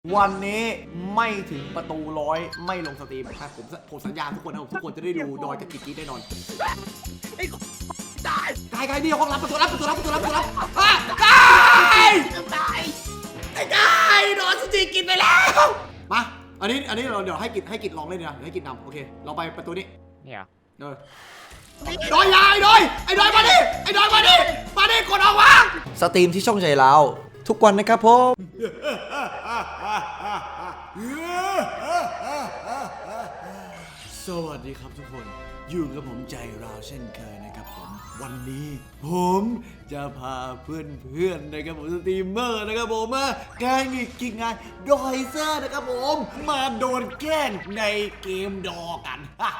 วันนี้ไม่ถึงประตู100ไม่ลงสตรีมครับผมสัญญาทุกคนนะทุกคนจะได้ดูดอยกับกิ๊กแน่นอนไอ้ตายกายนี่ห้องรับประตูรับกายไอ้กายโดนสตรีกินไปแล้วมาอันนี้เราเดี๋ยวให้กิจลองเล่นนะให้กิจนำโอเคเราไปประตูนี้เนี่ยดอยยายดอยมาดิกดออกวางสตรีมที่ช่องใจเราทุกวันนะครับผมสวัสดีครับทุกคนอยู่กับผมใจเราเช่นเคยนะครับผมวันนี้ผมจะพาเพื่อนนะครับผมสตรีมเมอร์นะครับผมมาแกล้งกินงานดอยเซอร์นะครับผมมาโดนแกล้งในเกมดอกัน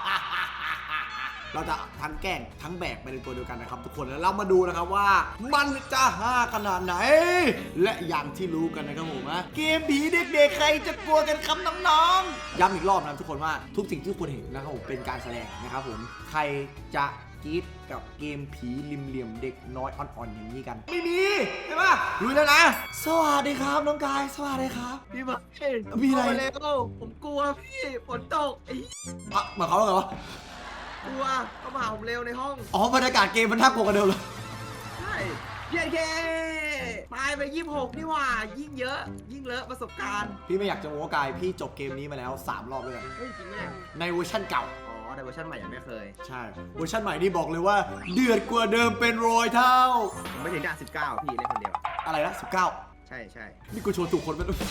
เราจะทั้งแกล้งทั้งแบกไปในตัวเดียวกันนะครับทุกคนแล้วเรามาดูนะครับว่ามันจะฮาขนาดไหนและอย่างที่รู้กันนะครับผมนะเกมผีเด็กๆใครจะกลัวกันครับน้องๆย้ำอีกรอบนะทุกคนว่าทุกสิ่งที่ทุกคนเห็นนะครับผมเป็นการแสดงนะครับผมใครจะกรี๊ดกับเกมผีริมเหลี่ยมเด็กน้อยอ่อนๆอย่างนี้กันไม่มีใช่ปะรู้แล้วนะสวัสดีครับน้องกายสวัสดีครับพี่มามีอะไรเร็วผมกลัวพี่ฝนตกหมายความว่าไงวะกลัวเขามาผมเร็วในห้องบรรยากาศเกมมันน่ากลัวกันเดิมเลยใช่เย้ตายไป26นี่ว่ายิ่งเยอะยิ่งเลอะประสบการณ์พี่ไม่อยากจะโม้กายพี่จบเกมนี้มาแล้ว3 รอบเลยเฮ้ยจริงไหมในเวอร์ชั่นเก่าในเวอร์ชันใหม่ยังไม่เคยใช่เวอร์ชันใหม่นี่บอกเลยว่าเดือดกว่าเดิมเป็น100 เท่าผมไม่ถึงด่าน19พี่เล่นคนเดียวอะไรนะ19 ใช่นี่กูชวนถูกคนไปด้วย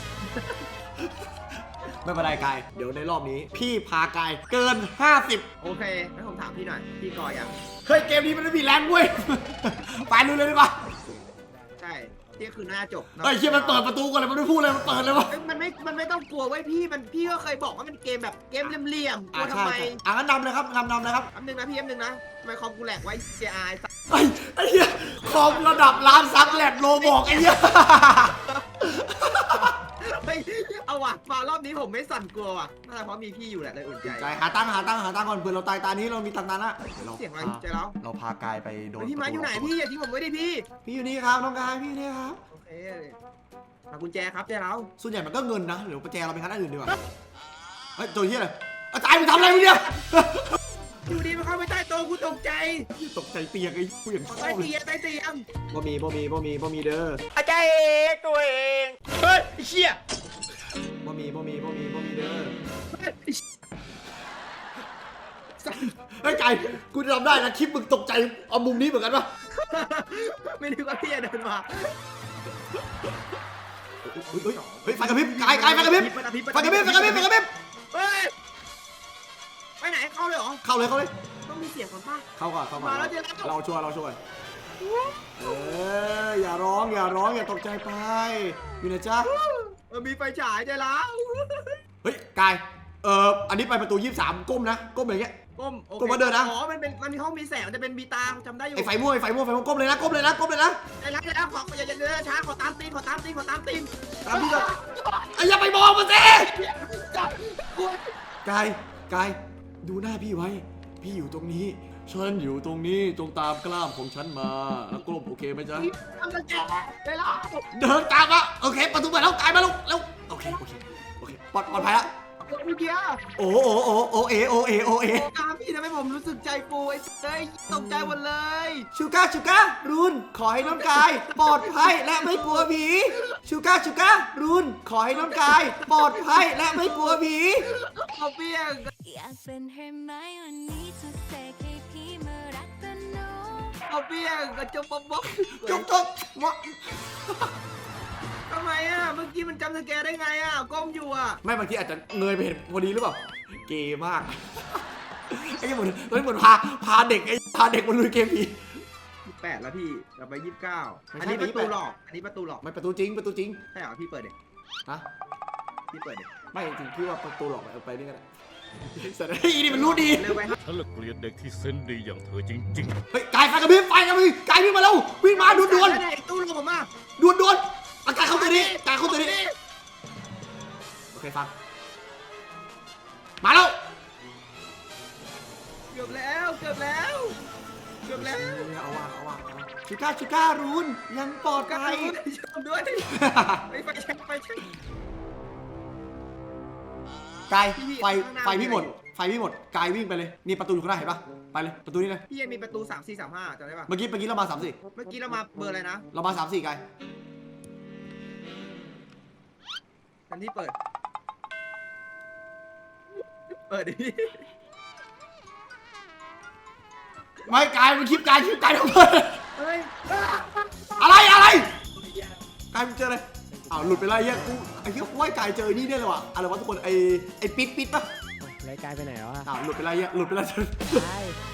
ไม่เป็นไรกายเดี๋ยวในรอบนี้พี่พากายเกิน50 โอเคให้ผมถามพี่หน่อยพี่กอยังเฮ้ยเกมนี้มันไม่มีแรงเว้ยไปลุยเลยดีกว่าใช่ที่คือหน้าจบเฮ้ยเชี่ยมันเปิดประตูก่อนเลยมันไม่พูดเลยมันเปิดเลยวะมันไม่ต้องกลัวไว้พี่ก็เคยบอกว่ามันเกมแบบเกมเหลี่ยมกลัวทำไมงั้นนำเลยครับนำเลยครับอันนึงนะพี่นะทำไมคอมกูแหลกไว้ JI ไอ้เหี้ยคอมระดับล้านซับแหลกโลบอกไอ้เหี้ยเอาว่ะมารอบนี้ผมไม่สั่นกลัวว่ะน่าจะเพราะมีพี่อยู่แหละเลยอุ่นใจหาตั้งก่อนเผื่อเราตายตานี้เรามีตังค์นั้นอะเสียงอะไรใจเราพากายไปโดนพี่มาอยู่ไหนพี่อย่าทิ้งผมไว้ดิพี่อยู่นี่ครับน้องกายพี่นี่ครับโอเคมากุญแจครับใจเราส่วนใหญ่มันก็เงินนะหรือกุญแจเราไปคันอื่นดีกว่าเฮ้ยตัวเหี้ยอะไรอาจารย์มึงทำอะไรมึงเนี่ยอยู่ดีมันเข้าไปใต้โต๊ะกูตกใจเตียงไอ้กูอย่างชอบเลยใต้เตียงบ่มีเด้ออาจารย์ตัวเองเฮ้ยเชี่ยบ่มีเด้อเฮ้ยไก่กูจำได้นะคลิปมึงตกใจเอามุมนี้เหมือนกันปะไม่นึกว่าพี่จะเดินมาเฮ้ยไฟกระพริบไก่ไฟกระพริบเฮ้ยไปไหนเข้าเลยเหรอเข้าเลยต้องมีเสียงก่อนป่ะเข้าก่อนมาแล้วเราช่วยอย่าร้องอย่าตกใจไปอยู่นะจ๊ะมีไฟฉายใจแล้วเฮ้ยกายอันนี้ไปประตู23ก้มนะก้มอย่างเงี้ยก้มมาเดินนะอ๋อมันมีห้องมีแสงจะเป็นมีตาจำได้อยู่ไอ้ไฟม่วงก้มเลยนะได้แล้วขออย่าเดินช้าขอตามตีนตามพี่ก่อนอย่าไปมองมันสิกายดูหน้าพี่ไว้พี่อยู่ตรงนี้ฉันอยู่ตรงนี้จงตามกล้ามของฉันมาแล้วกลมโอเคไหมจ๊ะเดินตามมาโอเคประตูเปิดแล้วกายมาลูกแล้วโอเคปลอดภัยแล้วเมื่อกี้โอ้เอตามพี่ทำให้ผมรู้สึกใจฟูไอ้ตกใจหมดเลยชูก้ารุนขอให้น้องกายปลอดภัยและไม่กลัวผีชูก้ารุนขอให้น้องกายปลอดภัยและไม่กลัวผีเอาเปี้ยงอยากเป็นให้ไหมวันนี้จะเสกให้พี่มารักกันโนเอาเปี้ยงกระจกบ๊อบทำไมเมื่อกี้มันจำสแกนได้ไงก้มอยู่ไม่บางทีอาจจะเงยไปเห็นพอดีหรือเปล่าเกย์มากไอ้เหมือนพาเด็กมันลุยเกมผี 8แล้วพี่เราไป29อันนี้ประตูหลอกไม่ประตูจริงใช่เหรอพี่เปิดเด็กฮะพี่เปิดเด็กไม่จริงพี่ว่าประตูหลอกเอาไปนี่กันสัตว์นี่มันรู้ดีฉันละเกลียดเด็กที่เซนดีอย่างเธอจริงๆเฮ้ยกายไฟกระพริบกายวิ่งมาแล้ววิ่งมาด่วนตู้ลงผมมาด่วนอากาศเข้าตัวนี้โอเคฟังมาแล้วเกือบแล้วเอาว่ะชูก้ารุนยังปลอดภัยด้วยไปเช็คกายไฟพี่หมดไฟพี่หมดกายวิ่งไปเลยนี่ประตูอยู่ข้างหน้าเห็นปะไปเลยประตูนี้เลยพี่ยังมีประตู3 4 3 5จำได้ปะเมื่อกี้เรามา3 4 เมื่อกี้เรามาเบอร์อะไรนะเรามา3 4กายทันที่เปิดดิไม่กายมันคลิปกายทำไมเฮ้ยอะไรกายมันเจอเลยอ้าวหลุดไปแล้วกูไอ้เหี้ยกูว่ากายเจอนี่เนี่ยเลยว่ะอะไรวะทุกคนไอ้ปิดปะรายการไปไหนแล้วอะอ้าวหลุดไปแล้วหลุดไปแล้วใช่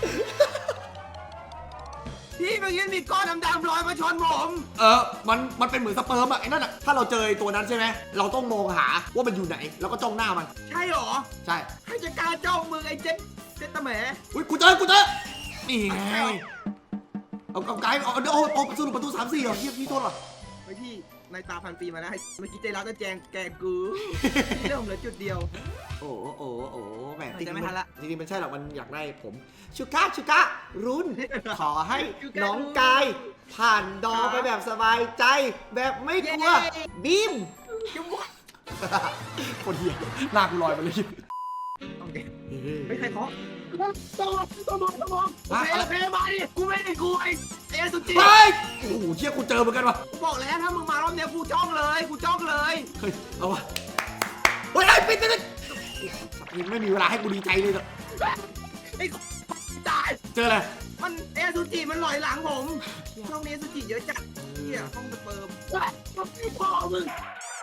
พี่เมื่อกี้มีก้อนดำๆลอยมาชนผมมันเป็นเหมือนสเปิร์มอะไอ้นั่นอะถ้าเราเจอตัวนั้นใช่ไหมเราต้องมองหาว่ามันอยู่ไหนแล้วก็จ้องหน้ามันใช่หรอใช่ใครจะกล้าจ้องมือไอ้เจ็ดตะแหมอุ้ยกูเจอนี่ไงเอาไกด์เอาประตู3 4เหรอพี่โทษเหรอไม่พี่ในตาพันปีมาแล้วเมื่อกี้ใจร้าวจะแจงแกกูเรื่องเหลือจุดเดียวโอ้แหมจะไม่ทันละจริงๆมันใช่หรอกมันอยากได้ผมชูก้ารุ่น ขอให้น้องกายผ่านดอไปแบบสบายใจ แบบไม่กลัวบีมจุ๊บวะคนเหี้ยหน้ากูลอยไปเลยโอเคไม่ใครเคาะต้องมองโอเคมาดิกูไม่ได้กูไอ้สุจิเฮ้ยโอ้โหเชี่ยกูเจอเหมือนกันว่ะกูบอกแล้วถ้ามึงมารอบเนี้ยกูจ้องเลยเฮ้ยเอาวะเฮ้ยปิดไม่มีเวลาให้กูดีใจเลยไอ้ตายเจออะไรมันเอสุจิมันลอยหลังผมช่องนี้สุจิเยอะจัดเฮียห้องสเปิร์มพ่อมึง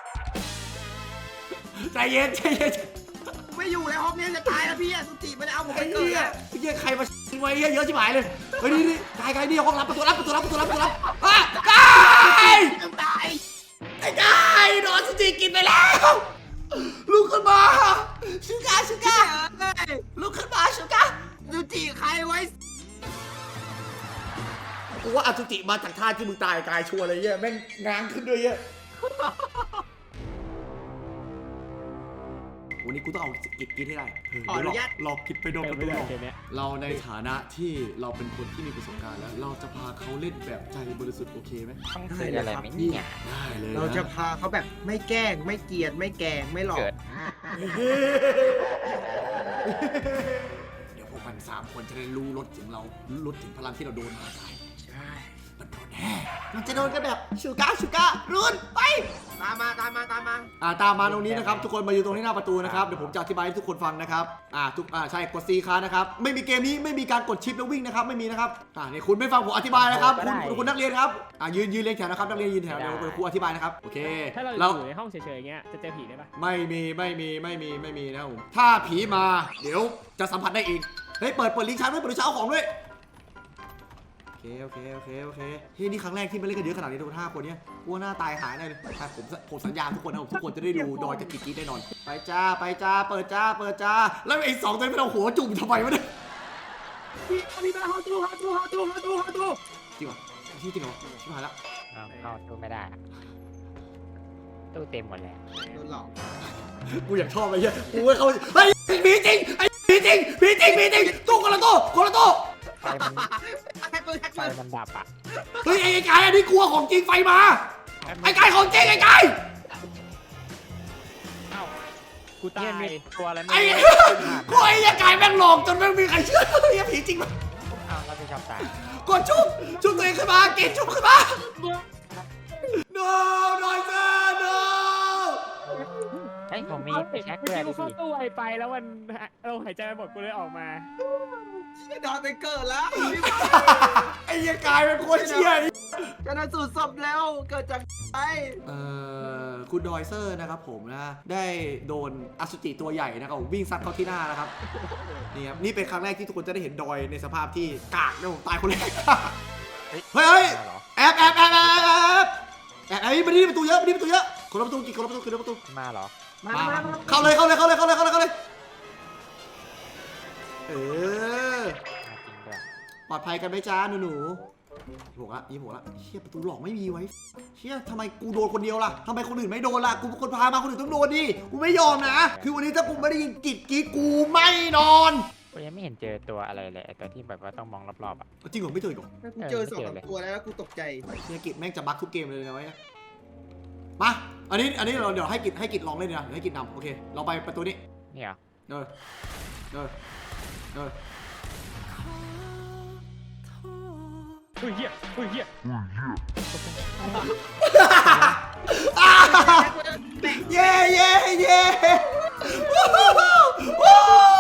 ใจเย็นกูไม่อยู่แล้วห้องนี้จะตายแล้วพี่สุจิมันเอาผมไปไอ้เกิดเหี้ยแล้วไอ้เหี้ยใครมาไว้เยอะชิบหายเลยเฮ้ยนี่กายนี่ห้องรับประตูรับอ่ะกายต้องตายไอ้กายโดนสติกินไปแล้วลุกขึ้นมาชูก้าเฮ้ยลุกขึ้นมาชูก้าสุจิใครไว้กูว่าอสุจิมาจากท่าที่มึงตายกายชัวร์เลยเหี้ยแม่งง้างขึ้นด้วยเหี้ยวันนี้กูต้องเอากินให้ได้หลอกกินไปโดนประตูหลอกเกมเนี้ยเราในฐานะที่เราเป็นคนที่มีประสบการณ์แล้ว เราจะพาเขาเล่นแบบใจบริสุทธิ์โอเคไหมต้องเกิดอะไรไหมเนี่ยได้เลยนเราจะพาเขาแบบไม่แกล้งไม่เกลียดไม่แกล้งไม่หลอกเกิดเดี๋ยวพวกมัน3 คนจะได้รู้รสถึงเรารู้ถึงพลังที่เราโดนมาได้ใช่มันโดนแน่มันจะโดนกันแบบชูก้ารุ่นไปตามมาตามมาตรงนี้นะครับทุกคนมาอยู่ตรงที่หน้าประตูนะครับเดี๋ยวผมจะอธิบายให้ทุกคนฟังนะครับใช่กด C ค้านะครับไม่มีเกมนี้ไม่มีการกดชิปแล้ววิ่งนะครับไม่มีนะครับนี่คุณไม่ฟังผมอธิบายนะครับคุณนักเรียนครับยืนเรียงแถวนะครับนักเรียนยืนแถวเดี๋ยวครูอธิบายนะครับโอเคถ้าเราอยู่ในห้องเฉยๆอย่างเงี้ยจะเจอผีได้ปะไม่มีนะครับผมถ้าผีมาเดี๋ยวจะสัมผัสได้เองเฮ้ยเปิดลิงก์ชั้นด้วยเปิดลิงก์ชั้นเอาของด้วยโอเคเฮ้ยนี่ครั้งแรกที่มาเล่นกันเยอะขนาดนี้ทุกคน5 คนเนี้ยกลัวหน้าตายหายแน่เลยผมสัญญาทุกคนนะทุกคนจะได้ดูดอยจะกรี๊ดแน่นอนไปจ้าเปิดจ้าแล้วไอ้2 ตัวนี้มันเอาหัวจุ่มทำไมวะเนี่ยพี่มาเข้าตู้จริงเหรอจริงเหรอชิบหายแล้วเข้าตู้ไม่ได้อะตู้เต็มหมดแล้วโดนหลอกกูอยากชอบไอ้เหี้ยกูว่าเขาเฮ้ยผีจริงตู้คนละตู้ไฟมันแฮกเกอร์ไฟมันดับอ่ะเฮ้ยไอ้กายอันนี้กลัวของจริงไฟมาไอ้กายของจริงไอ้กายกูตาเนี่ยมียตัวอะไรไม่ไอ้รู้กูไอ้กายแม่งหลอกจนแม่งมีใครเชื่อไอ้ผีจริงมั้ยอ้าวเราจะชอบตายกดชุบตัวเองขึ้นมาเกณฑ์ชุบขึ้นมา no นอยเซอร์ no เฮ้ยผมมีไปแช็คด้วยกูดิเข้าพี่ตู้ไวไปแล้วมันเราหายใจไปหมดกูเลยออกมาดอนไปเกิดแล้วไอ้กายเป็นโคตรเชี่ยชนะสูตรศพแล้วเกิดจากไอ้คุณดอยเซอร์นะครับผมนะได้โดนอสุจิตัวใหญ่นะครับวิ่งซัดเข้าที่หน้านะครับนี่ครับนี่เป็นครั้งแรกที่ทุกคนจะได้เห็นดอยในสภาพที่กากนะผมตายคนแรกเฮ้ยแอบมาที่ประตูเยอะคนละประตูกี่คนละประตูมาเหรอมาเข้าเลยเออมาจริงด้วยปลอดภัยกันไหมจ้าหนู26ละเชี่ยประตูหลอกไม่มีไว้เชี่ยทำไมกูโดนคนเดียวล่ะทำไมคนอื่นไม่โดนล่ะกูเป็นคนพามาคนอื่นต้องโดนดิกูไม่ยอมนะคือวันนี้ถ้ากูไม่ได้ยินกรี๊ดกูไม่นอนกูยังไม่เห็นเจอตัวอะไรเลยไอ้ตัวที่แบบว่าต้องมองรอบๆอ่ะจริงเหรอไม่เจออีกเหรอกูเจอ2 ตัวแล้วกูตกใจเนี่ยกิจแม่งจะบั๊กทุกเกมเลยนะไว้มาอันนี้เราเดี๋ยวให้กิจลองเล่นนะเดี๋ยวให้กิจนำโอเคเราไปประตูนี้นนี่เหรอเออเออเออเฮ้ยเหี้ยเฮ้ยเหี้ยเย้เย้เย้วู้ฮู้วู้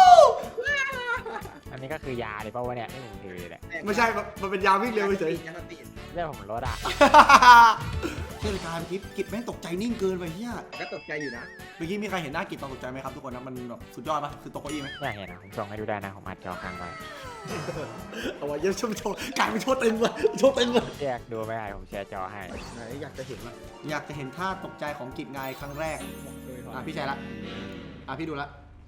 อันนี้ก็คือยาเลยป่าวะเนี่ยที่ผมถืออยู่เนี่ยไม่ใช่ มันเป็นยาวิ่งเร็วเฉยยาสติเรื่องผมรถอ่ะเชื่อเลยการเมื่อกี้กิจแม่งตกใจนิ่งเกินไปเฮียก็ตกใจอยู่นะเมื่อกี้มีใครเห็นหน้ากิจตอนตกใจไหมครับทุกคนนะมันแบบสุดยอดปะคือตกเก้าอี้ไหมอยากเห็นนะผมส่งให้ดูได้นะผมอัดจอค้างไว้เอาไว้เยอะโชว์กลายเป็นโชว์เต็มเลยโชว์เต็มเลยแยกดูไม่ได้ผมแชร์จอให้ไหนอยากจะเห็นละอยากจะเห็นท่าตกใจของกิจไงครั้งแรกบอกเลยก่อนพี่ใช่ละพี่ดูละ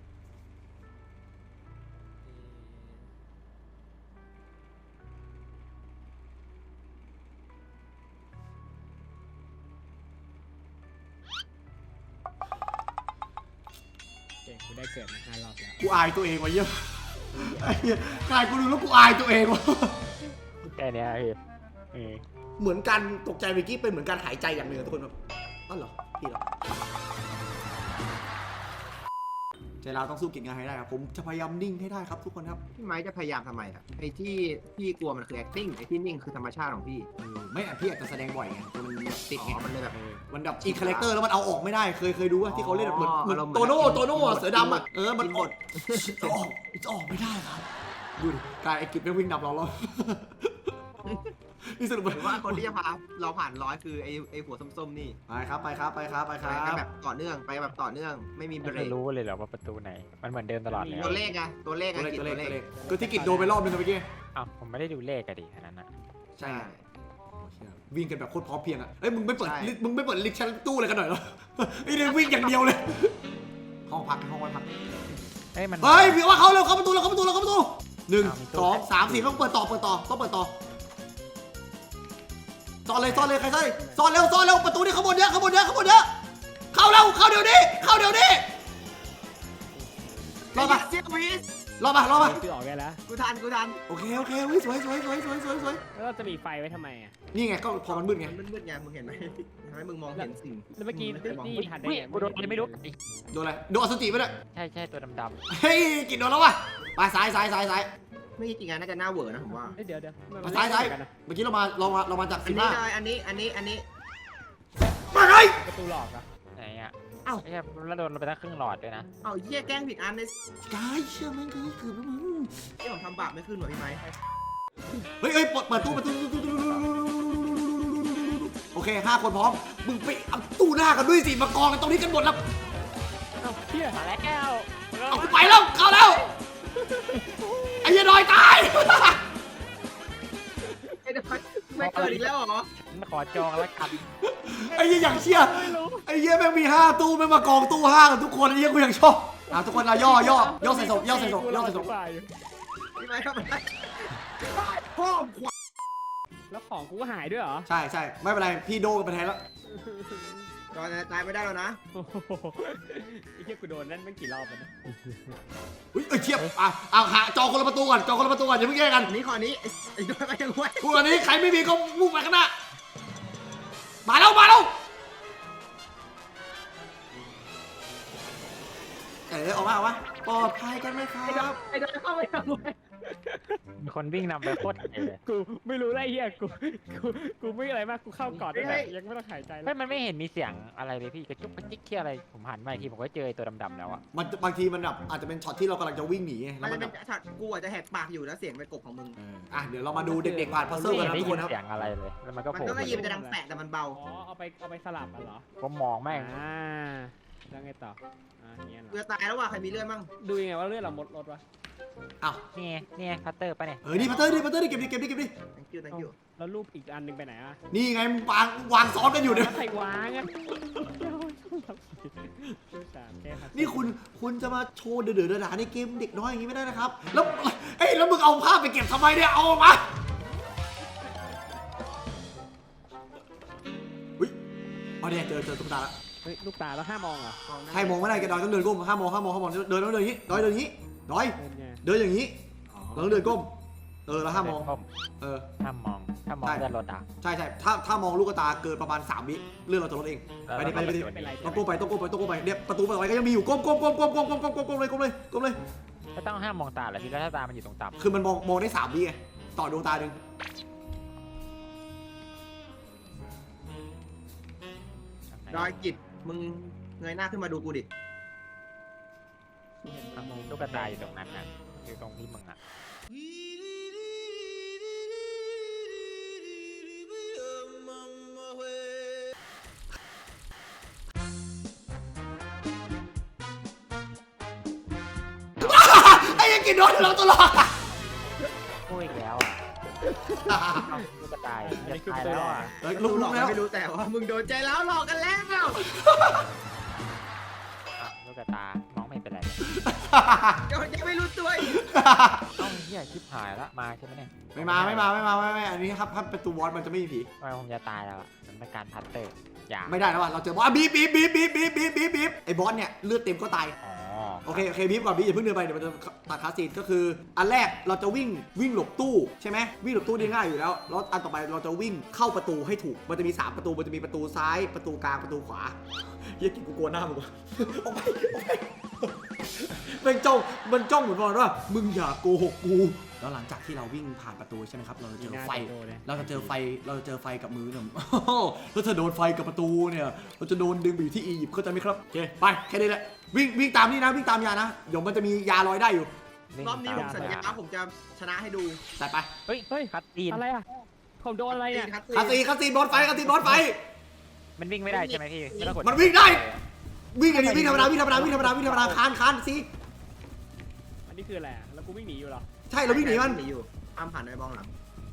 เก่งกูได้เกิดมา5 รอบแล้วกูอายตัวเองว่ะเยี่ยมไอ้เหี้ยกลายกูดูแล้วกูอายตัวเองว่ะแค่เนี้ยพี่เหมือนการตกใจเมื่อกี้เป็นเหมือนการหายใจอย่างหนึ่งอะทุกคนแบบอ๋อเหรอพี่เหรอใจเราต้องสู้กิจงานให้ได้ครับผมจะพยายามนิ่งให้ได้ครับทุกคนครับพี่ไม้จะพยายามทำไมอ่ะไอ้ที่พี่กลัวมันคือ acting ไอ้ที่นิ่งคือธรรมชาติของพี่ไม่พี่อาจจะแสดงบ่อยไงจนมันติดอ๋ไงอมันเลยแบบมันแบบอีคาแรคเตอร์แล้วมันเอาออกไม่ได้เคยดูว่าที่เขาเล่นแบบเหมือนอ๋ออารมณ์โตโน่อะเสือดำอะมันกินหมดจะออกไม่ได้ครับดูดิกายไอ้กิจไม่วิ่งดับเราแล้ว นี่สรุปหรือว่าคนที่จะพาเราผ่าน100คือไอ้หัวส้มๆนี่ไปครับไปกันแบบต่อเนื่องไปแบบต่อเนื่องไม่มีเบรไม่กรู้เลยเหรอว่าประตูไหนมันเหมือนเดิมตลอดเลยตัวเลขไงตัวเลขไงตัวเลขตัวเลขก็ที่กิจโดนไปรอบนึงเมื่อกี้อ้าวผมไม่ได้ดูเลขอะดิอันนั้นอะใช่วิ่งกันแบบโคตรพร้อมเพรียงอะเอ้ยมึงไม่เปิดลิฟต์ชั้นตู้เลยกันหน่อยเหรอไอ้เรื่องวิ่งอย่างเดียวเลยห้องพักไว้พักเฮ้ยมันเฮ้ยพี่ว่าเข้าประตู1 2 3 4ต้องเปิดต่อต้องเปิดต่อซ่อนเลยใครซ่อนเร็วประตูนี่ข้างบนเยอะเข้าเร็วเข้าเดี๋ยวนี้รอเซียวิสมาคือออกได้แล้วกูทันโอเควิสวยแล้วเราจะมีไฟไว้ทำไมอ่ะนี่ไงก็พอมันมืดไงมันมืดไงมึงเห็นไหมทำให้มึงมองเห็นสิ่งแล้วเมื่อกี้นี่ทันได้เฮ้ยไงกูโดนอะไรไม่รู้โดนอะไรโดนอสุจิไปด้วยใช่ตัวดำเฮ้ยกินโดนแล้ววะไปซ้ายไม่จริงๆน่าจะหน้าเวอร์นะผมว่าเดี๋ยวซ้ายเมื่อกี้เรามาจากอัน 15 นี้ได้อันนี้มาไงประตูหลอกอ่ะๆไหนอะเอ้าไอ้เหี้ยแล้วโดนไปตั้งครึ่งหลอดด้วยนะเอาเหี้ยแกล้งผิดอันเลยกายเชื่อแม่งคือแล้วมึงที่ผมทำบาปไม่ขึ้นหรอพี่ไม้เฮ้ยเปิดตู้โอเค5 คนพร้อมมึงไปเอาตู้หน้ากันด้วยสิมากองกันตรงนี้กันหมดแล้วเอ้าเฮียมาแล้วเอาไปแล้วเข้าแล้วไอ้ยันดอยตายไอ้เด็กไม่เกิดอีกแล้วเหรอมาขอจองแล้วกันไอ้ยันอย่างเชี่ยไอ้เหี้ยแม่งมี5 ตู้แม่งมากองตู้5กันทุกคนไอ้เหี้ยกูยังชอบทุกคนเราย่อใส่ศพพี่ไม้ทำอะไรพ่อขวาแล้วของกูหายด้วยเหรอใช่ไม่เป็นไรพี่โดกันไปแทนแล้วตอนตายไม่ได้แล้วนะโอ้โหไอ้เหี้ยกูโดนนั่นไม่กี่รอบแล้วนะอุ้ยเทียบเอาหาจองคนละประตูก่อนอย่าเพิ่งแย่งกันอันนี้ขอนี้ไอ้ด้วยไปยังไงคู่อันนี้ใครไม่มีก็มุ่งไปข้างหน้ามาแล้วออกมาปลอดภัยกันไหมครับไอ้ด้วยเข้าไปยังไงมีคนวิ่งนำไปโคตรเก๋เลยกูไม่รู้ไรเหี้ยกูไม่อะไรมากกูเข้าก่อนเลยยังไม่ต้องหายใจเลเฮ้ยยมันไม่เห็นมีเสียงอะไรเลยพี่กระจุกกระจิกที่อะไรผมหันมาอีกทีผมก็เจอไอ้ตัวดำๆแล้วอะมันบางทีมันแบบอาจจะเป็นช็อตที่เรากำลังจะวิ่งหนีมัแล้วนมัจะนเป็นช็อตกูอาจจะแหกปากอยู่แล้วเสียงไปกบของมึงเดี๋ยวเรามาดูเด็กๆผ่านพัซเซิลกันนะไม่ทุกได้คนครับยินเสียงอะไรเลยแล้วมันก็มันโผล่ก็ไม่ยินมันจะดังแปะแต่มันเบาอ๋อเอาไปสลับกันเหรอผมมองแม่งแล้วไงต่อเงี้ยเหรเรืออตายแล้วว่ะใครมีเลือดมั่งดูยังไงว่าเลือดเราหมดรถวะอ้าวนี่ไงพัตเตอร์ปะเนี่ยนี่พัตเตอร์ดิเก็บดิ thank you แล้วรูปอีกอันนึงไปไหนอ่ะนี่ไงวางซ้อนกันอยู่เนี่ยใครวางอ่ะนี่คุณจะมาโชว์เดือดๆด่าในเกมเด็กน้อยอย่างนี้ไม่ได้นะครับแล้วมึงเอาภาพไปเก็บทำไมเนี่ยเอาออกมาอุ้ยเอาเนี่ยเจอตุ๊กตาละเฮ้ยลูกตาแล้ว5 มองเหรอใครมองไม่ได้แกดอยต้องเดินก้มห้ามมองเดินอย่างนี้ดอยเดินไงเดินอย่างนี้เราต้องเดินก้มแล้วห้ามมองก้ม ห้ามมองถ้ามองใช่เลื่อนรถอ่ะใช่ถ้ามองลูกตาเกินประมาณ3 วิเลื่อนเราจะลดเอง ไปดิไม่เป็นไรต้องก้มไปเนี่ยประตูเปิดไว้ก็ยังมีอยู่ก้มเลยก็ต้องห้ามมองตาแหละพี่แล้วถ้าตามันอยู่ตรงต่ำคือมันมองได้3 วิไงต่อดวงตาหนึ่งดอยกิจมึงเงยหน้าขึ้นมาดูกูดิลูกตาอยู่ตรงนั้นน่ะอยู่ตรงที่มึงอ่ะไอ้ยังกินโดนเราตลอดพูดอีกแล้วอ่ะลูกตาจะตายแล้วอ่ะลุกหลอกแล้วไม่รู้แต่ว่ามึงโดนใจแล้วหลอกกันแล้วลูกตามองไม่เป็นไรยังไม่รู้ตัวอีกต้องเหี้ยชิบหายละมาใช่ไหมเนี่ยไม่อันนี้ครับประตูบอสมันจะไม่มีผีทำไมผมจะตายแล้วอ่ะมันเป็นการพัตเตอร์อย่าไม่ได้แล้วว่ะเราเจอบอสบีบไอ้บอสเนี่ยเลือดเต็มก็ตายอ๋อโอเคบีบก่อนบีอย่าเพิ่งเดินไปเดี๋ยวมันจะตัดคาซีนก็คืออันแรกเราจะวิ่งหลบตู้ใช่ไหมวิ่งหลบตู้ได้ง่ายอยู่แล้วแล้วอันต่อไปเราจะวิ่งเข้าประตูให้ถูกมันจะมี3 ประตูมันจะมีประตูซ้ายประตูกลางประตูขวาเฮียกินกูกลัวหน้ามึงว่ะออกไปมันจ้องเหมือนว่ามึงอย่าโกหกกูแล้วหลังจากที่เราวิ่งผ่านประตูใช่ไหมครับเราจะเจอไฟ เราจะเจอไฟกับมือเนี่ย แล้วถ้าโดนไฟกับประตูเนี่ยเราจะโดนดึงไปอยู่ที่อียิปต์เข้าใจไหมครับโอเคไปแค่นี้แหละวิ่งตามนี่นะวิ่งตามยานะเดี๋ยวมันจะมียาลอยได้อยู่รอบนี้ผมสัญญาผมจะชนะให้ดูแต่ไปเฮ้ยคัตตีนอะไรอ่ะผมโดนอะไรเนี่ยคาซีบอสไฟมันวิ่งไม่ได้ใช่ไหมพี่ไม่ต้องกดมันวิ่งได้วิ่งธรรมดาคานสิอันนี้คืออะไรอะแล้วกูวิ่งหนีอยู่เหรอใช่เราวิ่งหนีมันอยู่อ้ามผ่านไปบ้องหลัง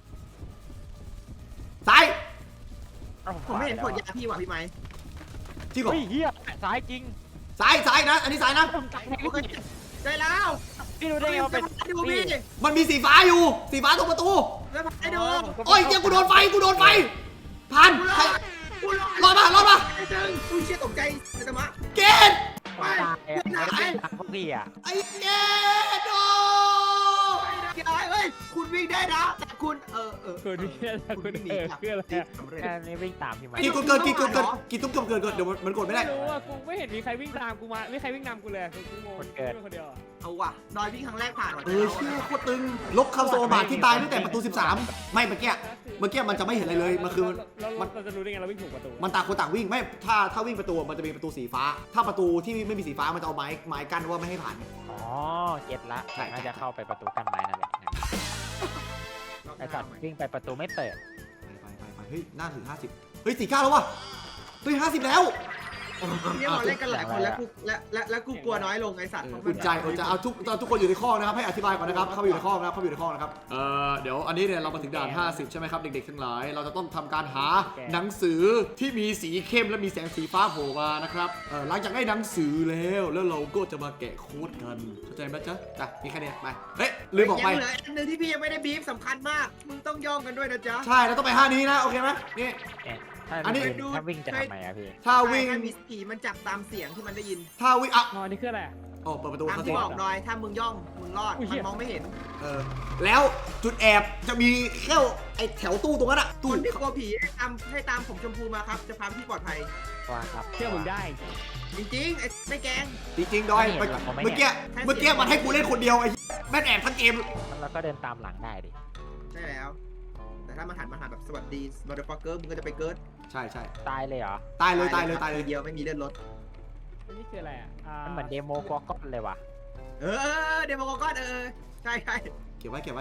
ซ้ายผมไม่เห็นผลยาพี่ว่ะพี่ไม้ที่ก่อนเฮ้ยเฮียซ้ายจริงซ้ายนะอันนี้ซ้ายนะได้แล้วพี่รู้ได้ไงว่าเป็นดูพี่มันมีสีฟ้าอยู่สีฟ้าตรงประตูแล้วไปดูโอ้ยเจ้ากูโดนไฟผ่านรอดมาไอ้เจ้งกูเชี่ยตกใจไอ้ธรรมะเกณฑ์ไปตายพวกพี่อ่ะไอ้เกณฑ์โดเฮ้ยคุณวิ่งได้นะแต่คุณคือนี่คือคืออะไรอะแค่นี้วิ่งตามพี่ไหมกี่ตุ้มเกิดเดี๋ยวมันกดไม่ได้ไม่รู้อ่ะกูไม่เห็นมีใครวิ่งตามกูมาไม่มีใครวิ่งนำกูเลยกูงงคนเดียวเอาว่ะดอยวิ่งครั้งแรกผ่านว่ะเชื่อโคตรตึงลบคำโซบาทที่ตายตั้งแต่ประตู 13 ไม่เมื่อกี้มันจะไม่เห็นอะไรเลยมันคือเราจะรู้ได้ไงเราวิ่งถูกประตูมันต่างคนต่างวิ่งไม่ถ้าวิ่งประตูมันจะมีประตูสีฟ้า ถ้าประตูที่ไม่มีสีฟ้ามันจะเอาไม้กั้นว่าไม่ให้ผ่านอ๋อเก็ตละใช่น่าจะเข้าไปประตูกันไม้นั่นแหละไอสัตว์วิ่งไปประตูไม่เปิดไปเฮ้ยหน้าถึง50เฮ้ย49แล้วว่ะเฮ้ย50แล้วเนี่ยเราเล่นกันหลายคนแล้วกูและกูกลัวน้อยลงไอ้สัตว์อุ่นใจเอาทุกคนอยู่ในข้อนะครับให้อธิบายก่อนนะครับเข้าไปอยู่ในข้อนะครับเดี๋ยวอันนี้เนี่ยเรามาถึงด่าน50ใช่ไหมครับเด็กๆทั้งหลายเราจะต้องทำการหาหนังสือที่มีสีเข้มและมีแสงสีฟ้าโผล่มานะครับหลังจากได้หนังสือแล้วเราก็จะมาแกะโค้ดกันเข้าใจไหมจ๊ะมีแค่นี้ไปเฮ้ยลืมบอกไปยังเหลืออันนึงที่พี่ยังไม่ได้บีฟสำคัญมากมึงต้องย่องกันด้วยนะจ๊ะใช่เราต้องไป5นี้นะโอเคไหมนี่ถ้าวิ่งจะทำไมอะพี่ถ้าวิ่งมีผีมันจับตามเสียงที่มันได้ยินถ้าวิ่งอ่ะอ๋อนี่คืออะไรโอ้เปิดประตูตามเขาสิที่บอกดอยถ้ามึงย่องมึงรอดมันมองไม่เห็นแล้วจุดแอบจะมีแค่ไอ้แถวตู้ตรงนั้นอะคตู้นที่กลัวผีให้ตามผมชมพูมาครับจะพาพี่ปลอดภัยว่าครับเชื่อมึงได้จริงๆไอ้ไม่แกงจริงๆดอยเมื่อกี้มันให้กูเล่นคนเดียวไอ้แม่งแอบทั้งเกมแล้วก็เดินตามหลังได้ดิใช่แล้ว แต่ถ้ามาหันแบบสวัสดีมอเตอร์ฟอร์เกอร์มึงก็จะไปเกิร์ดใช่ตายเลยเหรอตายเลยเดียวไม่มีเลือดรถนี่คืออะไรอ่ะมันเหมือนเดโมกอกอนเลยว่ะเดโมก้อนใช่เก็บไว้ไหนวะ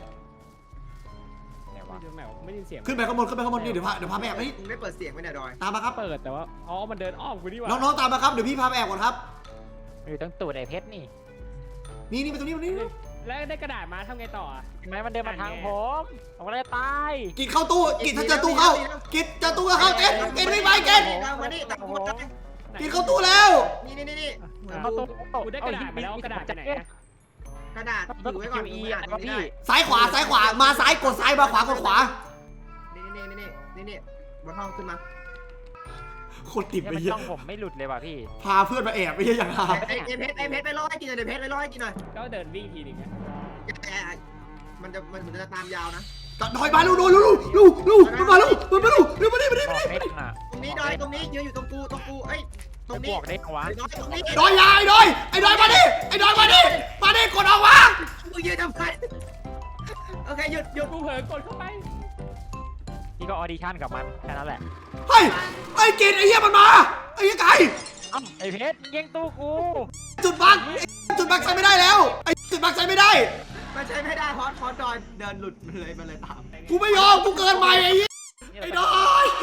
ไม่ได้ยินเสียงขึ้นไปข้างบนนี่เดี๋ยวพาไปแอบนี่มึงได้เปิดเสียงไหมเนี่ยดอยตามมาครับเปิดแต่ว่าอ๋อมันเดินอ้อมกูนี่หว่าน้องๆตามมาครับเดี๋ยวพี่พาไปแอบก่อนครับอยู่ตั้งตูดไอเพชรนี่นี่ไปตรงนี้แล้วได้กระดาษมาทำไงต่ออ่ะทำไมมันเดินมาทางผมผมก็เลยตายกินเข้าตู้กินถ้าเจอตู้เข้ากินเจอตู้ก็เข้าเต้นไม่ไปเต้นมานี่ตักหมดเลยกินเข้าตู้แล้วนี่เอาตัวกูได้กระดาษมาแล้วกระดาษไปไหนอะกระดาษอยู่ไว้ก่อนอีมึงอะอ่านวะนี่พี่ซ้ายขวามาซ้ายกดซ้ายมาขวากดขวานี่บนห้องขึ้นมาโคตรติดเนี่ยไปมันเยอะต้องผมไม่หลุดเลยว่ะพี่พาเพื่อนมาแอบไม่ใช่อย่างไรไอ้เพชรไปล่อให้กินหน่อยเพชรไปล่อให้กินหน่อยก็เดินวิ่งทีนึงมันจะตามยาวนะถอยมาลูมันมาลูมันมาลูเร็วมาดิบอกเด้งอ่ะตรงนี้ดอยตรงนี้ยืนอยู่ตรงกูเอ้ยตรงนี้บอกเด้งวะดอยตรงนี้ดอยยายดอยไอ้ดอยมาดิมาดิกดออกมามึงยืนทำไมโอเคหยุดกูเผลอกดเข้าไปนี่ก็ออดิชั่นกับมันแค่นั้นแหละเฮ้ยไอ้กินไอ้เหี้ยมันมาไอ้เหี้ยไก่เอ้าไอ้เพชรแย่งตู้กูจุดบักใช้ไม่ได้แล้วไอ้จุดบักใช้ไม่ได้มันใช้ไม่ได้พอดดอยเดินหลุดมันเลยตามกูไม่ยอมกูเกินไปไอ้เหี้ยไอ้ดอย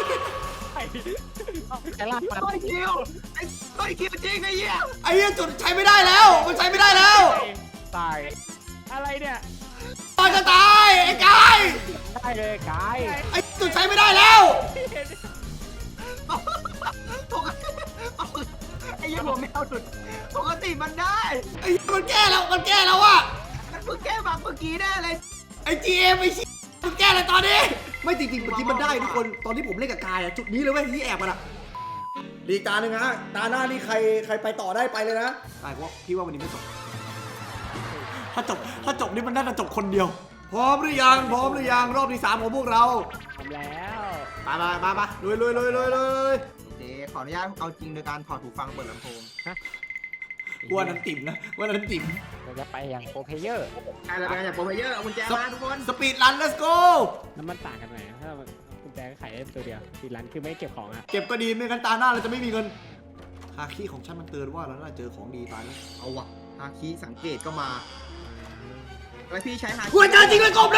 ไอ้ลากมาต้อยคิวจริงไอ้เหี้ยไอ้เหี้ยจุดใช้ไม่ได้แล้วมันใช้ไม่ได้แล้วตายอะไรเนี่ยตายจะตายไอ้กายได้เลยกายไอ้จุดใช้ไม่ได้แล้วไอ้เหี้ยหัวแมวหลุดปกติมันได้ไอ้มันแก้แล้วอะมันเพิ่งแก้บังเมื่อกี้แน่เลยไอ้ GM ไอ้ชี้มันแก้อะไรตอนนี้ไม่จริงๆเมื่อกี้มันได้ทุกคนตอนที่ผมเล่นกับกายอะจุดนี้เลยเว้ยที่แอบมันอะดีตาหนึ่งฮะตาหน้านี่ใครไปต่อได้ไปเลยนะกายว่าพี่ว่าวันนี้ไม่จบถ้าจบนี่มันน่าจะจบคนเดียวพร้อมหรือยังรอบที่3ของพวกเราทำแล้วมาลุยเดี๋ยวขออนุญาตเอาจริงโดยการถอดหูฟังเปิดลำโพงว่านั้นติ่มนะว่านั้นติ่มเราจะไปอย่างโปรเพเยอร์ใครจะเป็นอย่างโปรเพเยอร์เอากุญแจมาทุกคนสปีดรัน let's go แล้วมันต่างกันไหนถ้ามันกุญแจก็ขายได้ตัวเดียวสีร้านคือไม่เก็บของอ่ะเก็บก็ดีไม่งั้นตาหน้าเราจะไม่มีเงินฮาคิของฉันมันเตือนว่าเราน่าเจอของดีตายแล้วเอาวะฮาคิสังเกตก็มาแล้วพี่ใช้ฮาคิกูเจอจริงเลยกบ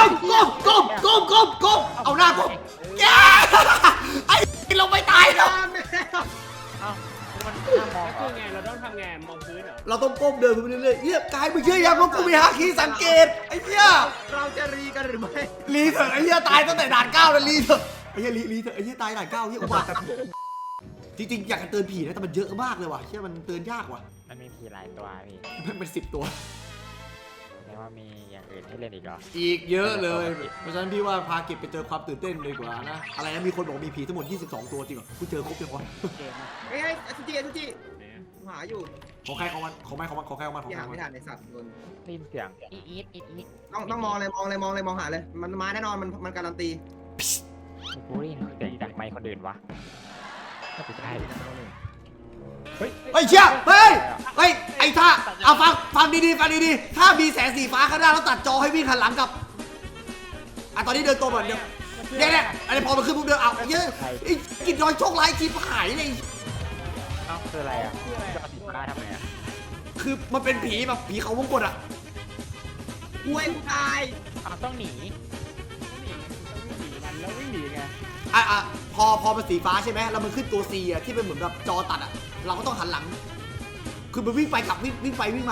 เอาหน้ากบแย่ไอ้เราไม่ตายแล้วเอ้ามันน่ามองแล้วคือไงเราต้องทำไงมองพื้นเหรอเราต้องก้มเดินไปเรื่อยๆเฮียกายมึงเชื่อยังว่ากูมีฮาคิสังเกตไอ้เหี้ยเราจะรีกันหรือไม่รีเถอะไอ้เหี้ยตายตั้งแต่ด่าน9แล้วรีเถอะไอ้เหี้ยรีเถอะไอ้เหี้ยตายด่าน9เหี้ยอุบาทแต่จริงๆอยากจะเตือนผีนะแต่มันเยอะมากเลยว่ะเชื่อมันเตือนยากว่ะมันมีผีหลายตัวพี่มันเป็น10 ตัวแสดงว่ามีอย่างอื่นให้เล่นอีกเหรออีกเยอะเลย เพราะฉะนั้นพี่ว่าพาเก็บไปเจอความตื่นเต้นดีกว่านะ อะไรนะมีคนบอกมีผีทั้งหมด 22 ตัวจริงเหรอกูเจอครบยังวะเกมอะเฮ้ยสุจิไหนอะหาอยู่ของใครของมันของใครของมันของใครของมันของพี่ใครหาของไม่มันทันในสัตว์โดนได้ยินเสียงอีดต้องมองเลยมองหาเลยมันมาแน่นอนมันการันตีกูได้ยินเสียงจากไมค์คนอื่นวะไม่ใช่เฮ้ยเชี่ยเฮ้ยไอ้ท่าเอาฟังดีๆถ้ามีแสงสีฟ้าข้างหน้าแล้วตัดจอให้วิ่งหันหลังกับตอนนี้เดินตัวก่อนเนี่ยอันนี้พอมันขึ้นปุ๊บเดินเอาเยอะไอ้กินรอยโชคร้ายชีพหายเลยเอ้าคืออะไรอ่ะจะเอาสีฟ้าทำไมอ่ะคือมันเป็นผีแบบผีเขาวงกตอ่ะกูเองกูตายอ้าวต้องหนีต้องหนีมันแล้ววิ่งหนีไงพอมันสีฟ้าใช่ไหมแล้วมันขึ้นตัว C อ่ะที่เป็นเหมือนแบบจอตัดอ่ะเราก็ต้องหันหลัง คือมันวิ่งไปกลับวิ่งไปวิ่งมา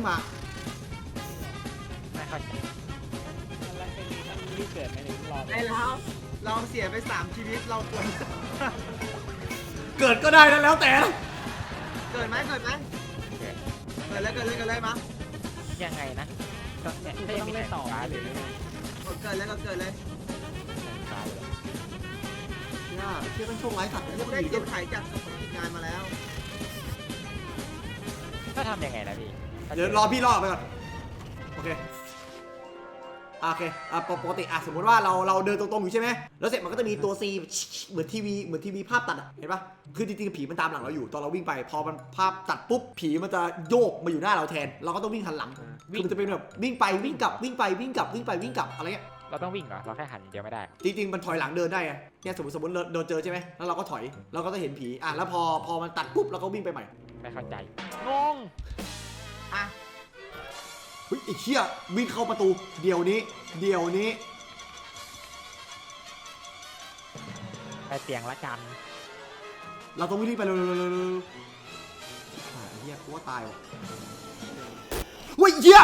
ไม่เข้าใจแล้วเป็นต้องรีบเกิดไหมเนี่ยรอได้แล้วเราเสียไป3ชีวิตเราควรเกิดก็ได้นะแล้วแต่เกิดไหมเกิดเลยมายังไงนะก็เนี่ยกูได้ก็ต้องมีเล่แต่นต่อฟ้าหหรืรือ อไม่ไงเกิดเลยฟ้าเลยเชื่อเป็นโชคร้ายสัตว์ได้เก็บไข่จากงานมาแล้วก็ทำยังไงนะพี่เดี๋ยวรอพี่รอไปก่อนโอเคปกติสมมติว่าเราเดินตรงๆอยู่ใช่ไหมแล้วเสร็จมันก็จะมีตัว C เหมือนทีวีภาพตัดเห็นปะคือจริงๆผีมันตามหลังเราอยู่ตอนเราวิ่งไปพอมันภาพตัดปุ๊บผีมันจะโยกมาอยู่หน้าเราแทนเราก็ต้องวิ่งหันหลังคือมันจะเป็นแบบวิ่งไปวิ่งกลับอะไรเงี้ยเราต้องวิ่งเหรอเราแค่หันเดียวไม่ได้จริงๆมันถอยหลังเดินได้ไงเนี่ยสมมติโดนเจอใช่ไหมแล้วเราก็ถอยเราก็จะเห็นผีแล้วพอมันตัดปุ๊บเราก็วิ่งไปใหม่ไม่เข้าใจงงอ่ะเฮ้ยไอ้เหี้ยวิ่งเข้าประตูเดี๋ยวนี้ไปเตียงละกันเราต้องวิ่งไปเร็วไอ้เหี้ยกูว่าตายว่ะเฮ้ยเหี้ย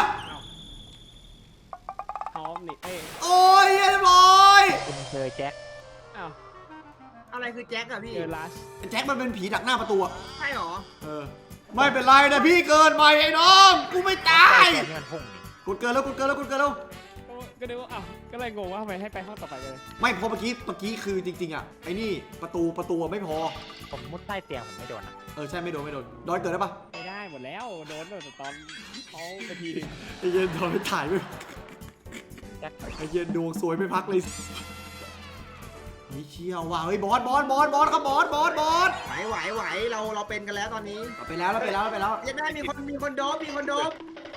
เขาหนีเอ้ยโอ้ยเรียบร้อยคุณเจอแจ็คอ้าวอะไรคือแจ็คอะพี่เจอลัสแจ็คมันเป็นผีดักหน้าประตูอะใช่หรอไม่เป็นไรนะพี่เกินไปไอ้น้องกูไม่ตายแจ็คนี่มันพุ่งนี่กดเกินแล้วก็นึกว่าอ้าวก็เลยงงว่าทำไมให้ไปห้องต่อไปเลยไม่เพราะเมื่อกี้คือจริงๆอะไอ้นี่ประตูไม่พอผมมุดใต้เตียงผมไม่โดนอ่ะใช่ไม่โดนดอยเกิดได้ปะไม่ได้หมดแล้วโดนตั้งแต่ตอนเขาไปทีนึงไอ้เย็นดอยไม่ถ่ายด้วยแจ็คไอ้เหี้ย็นดวงสวยไม่พักเลยเฮ้ยเชี่ยวว่ะเฮ้ยบอสครับบอสไหวเราเป็นกันแล้วตอนนี้เราไปแล้วยังได้มีคนโดบมีคนโดบ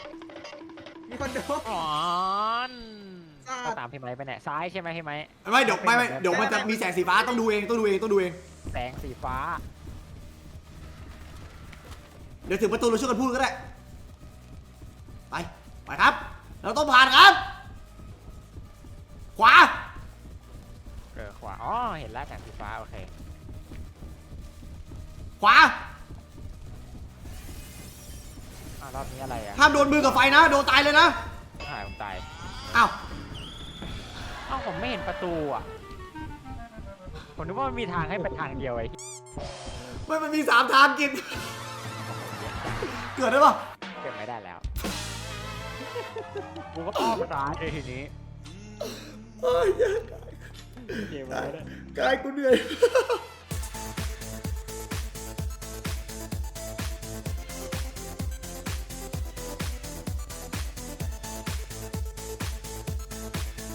อ๋อนอ่าก็ตามพี่ไม้ไปเนี่ยซ้ายใช่ไหมพี่ไม้ไม่เดี๋ยวมันจะมีแสงสีฟ้าต้องดูเองแสงสีฟ้าเดี๋ยวถึงประตูเราช่วยกันพูดก็ได้ไปครับ เราต้องผ่านครับ ขวาขวาอ๋อเห็นแล้วแสงสีฟ้าโอเคขวารอบนี้อะไรอ่ะห้ามโดนมือกับไฟนะโดนตายเลยนะหายผมตายอ้าวผมไม่เห็นประตูอ่ะผมนึกว่ามันมีทางให้เป็นทางเดียวไอ้มันมี3 ทางกิน เกิดได้ปะเก็บไม่ได้แล้วกูก็ป้อมตายเลยทีนี้เฮ้ยเกมอะไรเนี่ยกายกูเหนื่อย